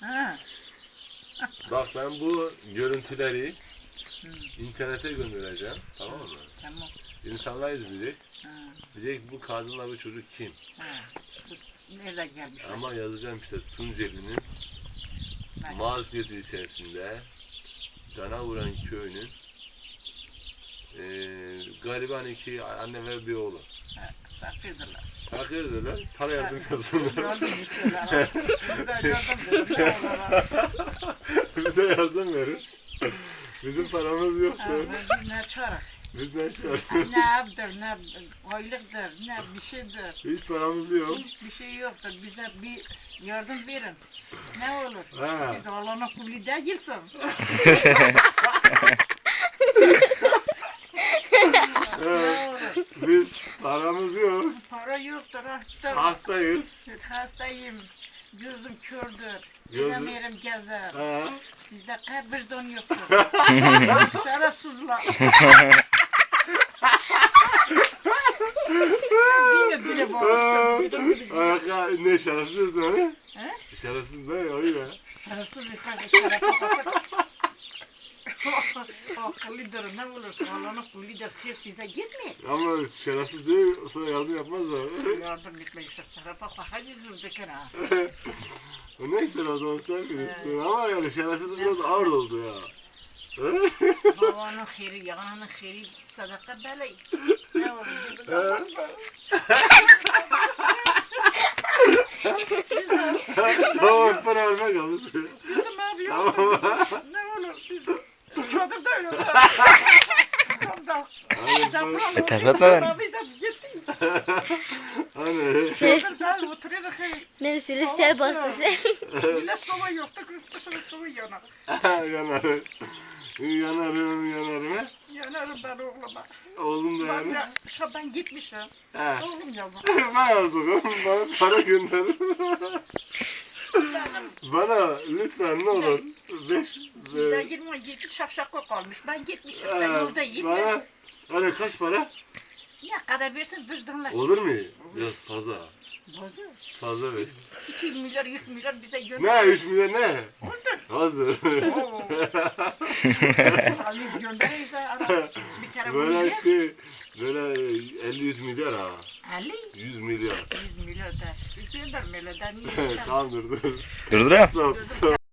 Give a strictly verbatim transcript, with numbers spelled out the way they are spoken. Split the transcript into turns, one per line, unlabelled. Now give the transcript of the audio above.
Ha.
Bak ben bu görüntüleri
Hı.
internete göndereceğim, tamam mı?
Tamam.
İnsanlar izleyecek,
Ha.
diyecek bu kadınla bu çocuk kim?
Ha. Bu nereden gelmişler?
Ama yazacağım işte Tunceli'nin
Bak.
Malazgirt ilçesinde Danavuran köyünün eee gariban iki anne ve bir oğlu.
Ha. Fakirdiler.
Fakirdiler, para yardım yapsınlar.
Yardım istiyorlar. Bize yardım verin. Ne olur?
Bize yardım verin. Bizim paramız
Ha,
yoktur.
biz ne çarık?
Biz ne çağırıyoruz?
Ne evdir, ne aylıktır, ne bir şeydir.
Hiç paramız yok.
Hiçbir şey yoktur. Bize bir yardım verin. Ne olur?
Ha.
Siz Allah'ın kulu değilsin. Ne olur?
Biz paramız yok.
Para yoktur. Hastır.
Hastayız.
Hastayım. Gözüm kördür.
Gözü-
Gidemiyorum gezer.
Ha.
Sizde kabirden yoktur. Şerefsizler. Yine bile bağıştım.
Araka ne şerefsiz değil mi?
He?
Şerefsiz değil o ya.
Şerefsiz bir kadın. Şerefsiz. Akıllıdır ne olursa Allah'ın kuludur. Hayır size gitmeyin.
Ama şerefsiz değil, sana yardım yapmazlar.
Yardım etmeyin işte. Şerefe hadi yüzdükün ha.
Neyse o zaman sen bilirsin ama yani şerefsiz biraz ağır oldu ya.
Babanın xeyri, yağanın xeyri, sadaka belay. Ne olur?
Tamam para vermek almışsın.
Bizim abi
Tamam.
yok. Ne olur? Siz çadırda yok.
Hani
Tefetten.
Hani
Çadırda oturuyor.
Ne sülüsler bastı.
Yine soba yoktu. Kırıklaşırı soba yanar.
yanarım. Yanarım yanarım he.
Yanarım ben oğluma.
Oğlum da
Ben
yani.
de şu ben gitmişim.
He.
Oğlum yanma.
Ben yazıkım. Bana para gönder.
Benim
Bana lütfen ne olur. Beş.
bir
e,
yirmi yedi şakşakla kalmış. Ben gitmişim. Ben
e,
yolda yiyip
Bana. Hani kaç para?
ne kadar versin vicdanlar.
Olur mu? Biraz fazla.
Bozur.
Fazla ver.
iki milyar, yüz milyar bize
Ne?
gönder.
Üç milyar ne?
Oldu.
Azdır.
Oo. Ali gönderirse ara bir kere bunu
Böyle
yer.
şey. Böyle elli yüz milyar ha.
Ali
Yüz milyar.
yüz milyar da. Gönder meleden.
Tamam dur dur.
Durduruyor.
Stop stop.